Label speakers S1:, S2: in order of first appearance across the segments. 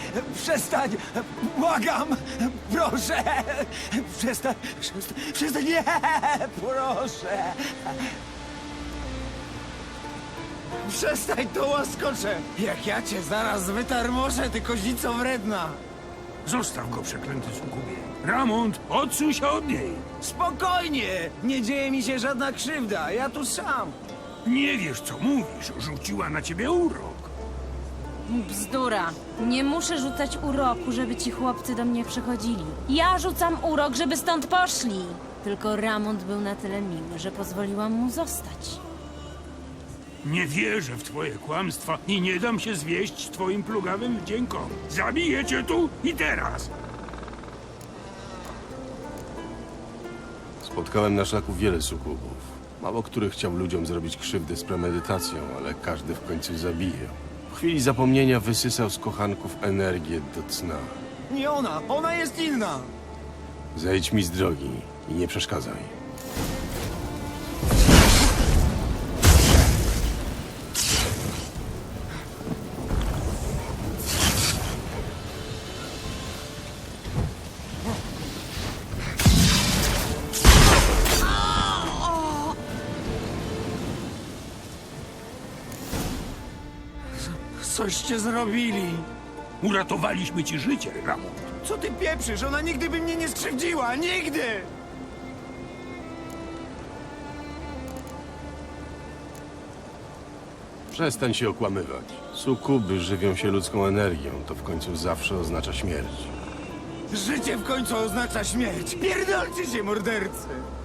S1: Przestań! Błagam! Proszę! Przestań! Nie! Proszę! Przestań, to łaskocze! Jak ja cię zaraz wytarmoszę, ty kozico wredna!
S2: Zostaw go, przeklęty sukubie. Ramont, odsuń się od niej.
S1: Spokojnie! Nie dzieje mi się żadna krzywda, ja tu sam!
S2: Nie wiesz, co mówisz. Rzuciła na ciebie urok.
S3: Bzdura. Nie muszę rzucać uroku, żeby ci chłopcy do mnie przychodzili. Ja rzucam urok, żeby stąd poszli. Tylko Ramont był na tyle miły, że pozwoliłam mu zostać.
S2: Nie wierzę w twoje kłamstwa i nie dam się zwieść twoim plugawym wdziękom. Zabiję cię tu i teraz.
S4: Spotkałem na szlaku wiele sukubów. Mało który chciał ludziom zrobić krzywdę z premedytacją, ale każdy w końcu zabije. W chwili zapomnienia wysysał z kochanków energię do cna.
S1: Nie ona! Ona jest inna!
S4: Zejdź mi z drogi i nie przeszkadzaj.
S1: Coście zrobili!
S2: Uratowaliśmy ci życie, Ramont.
S1: Co ty pieprzysz? Ona nigdy by mnie nie skrzywdziła! Nigdy!
S4: Przestań się okłamywać. Sukuby żywią się ludzką energią, to w końcu zawsze oznacza śmierć.
S1: Życie w końcu oznacza śmierć! Pierdolcie się, mordercy!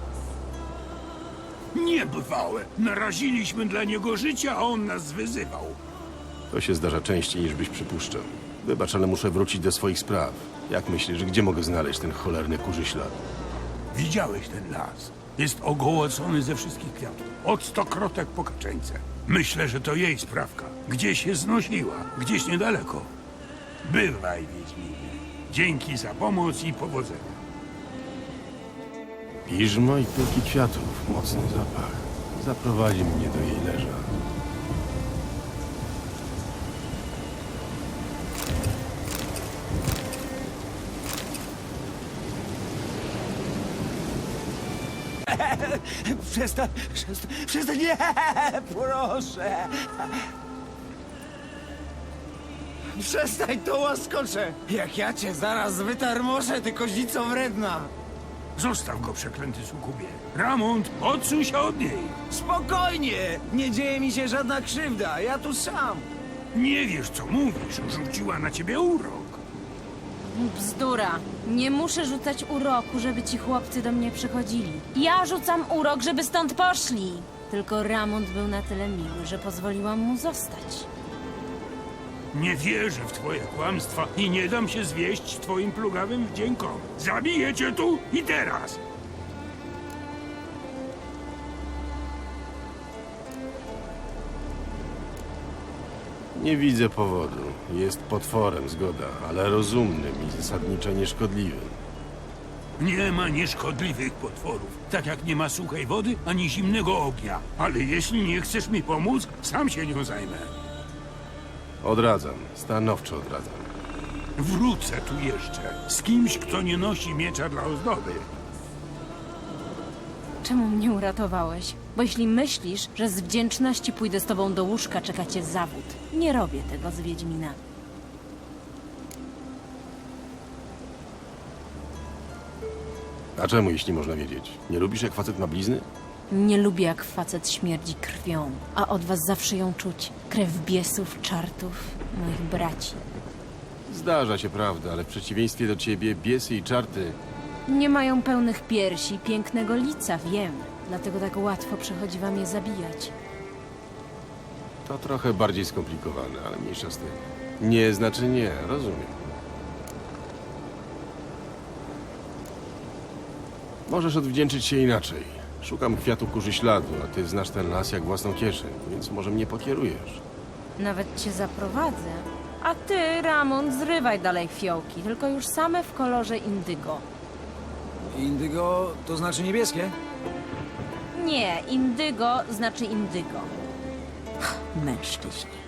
S2: Niebywałe. Naraziliśmy dla niego życie, a on nas wyzywał.
S4: To się zdarza częściej niż byś przypuszczał. Wybacz, ale muszę wrócić do swoich spraw. Jak myślisz, gdzie mogę znaleźć ten cholerny kurzy ślad?
S2: Widziałeś ten las? Jest ogołocony ze wszystkich kwiatów. Od stokrotek po kaczeńce. Myślę, że to jej sprawka. Gdzieś się znosiła, gdzieś niedaleko. Bywaj, Wiedźminie. Dzięki za pomoc i powodzenia.
S4: Piżmo i pyłki kwiatów. Mocny zapach. Zaprowadzi mnie do jej leża.
S1: Przestań! Nie! Proszę! Przestań, to łaskocze! Jak ja cię zaraz wytarmoszę, ty kozico wredna!
S2: Zostaw go, przeklęty sukubie. Ramont, odsuń się od niej.
S1: Spokojnie! Nie dzieje mi się żadna krzywda, ja tu sam!
S2: Nie wiesz, co mówisz. Rzuciła na ciebie urok.
S3: Bzdura. Nie muszę rzucać uroku, żeby ci chłopcy do mnie przychodzili. Ja rzucam urok, żeby stąd poszli. Tylko Ramont był na tyle miły, że pozwoliłam mu zostać.
S2: Nie wierzę w twoje kłamstwa i nie dam się zwieść twoim plugawym wdziękom. Zabiję cię tu i teraz.
S4: Nie widzę powodu. Jest potworem, zgoda, ale rozumnym i zasadniczo nieszkodliwym.
S2: Nie ma nieszkodliwych potworów, tak jak nie ma suchej wody ani zimnego ognia. Ale jeśli nie chcesz mi pomóc, sam się nią zajmę.
S4: Odradzam, stanowczo odradzam.
S2: Wrócę tu jeszcze z kimś, kto nie nosi miecza dla ozdoby.
S3: Czemu mnie uratowałeś? Bo jeśli myślisz, że z wdzięczności pójdę z tobą do łóżka, czeka cię zawód. Nie robię tego z Wiedźminami.
S4: A czemu, jeśli można wiedzieć? Nie lubisz, jak facet ma blizny?
S3: Nie lubię, jak facet śmierdzi krwią, a od was zawsze ją czuć. Krew biesów, czartów, moich braci.
S4: Zdarza się, prawda, ale w przeciwieństwie do ciebie biesy i czarty...
S3: Nie mają pełnych piersi, pięknego lica, wiem. Dlatego tak łatwo przychodzi wam je zabijać.
S4: To trochę bardziej skomplikowane, ale mniejsza z tym. Nie znaczy nie, rozumiem. Możesz odwdzięczyć się inaczej. Szukam kwiatu kurzy śladu, a ty znasz ten las jak własną kieszeń, więc może mnie pokierujesz.
S3: Nawet cię zaprowadzę. A ty, Ramon, zrywaj dalej fiołki, tylko już same w kolorze indygo.
S1: Indygo to znaczy niebieskie?
S3: Nie, indygo znaczy indygo. Mężczyźni.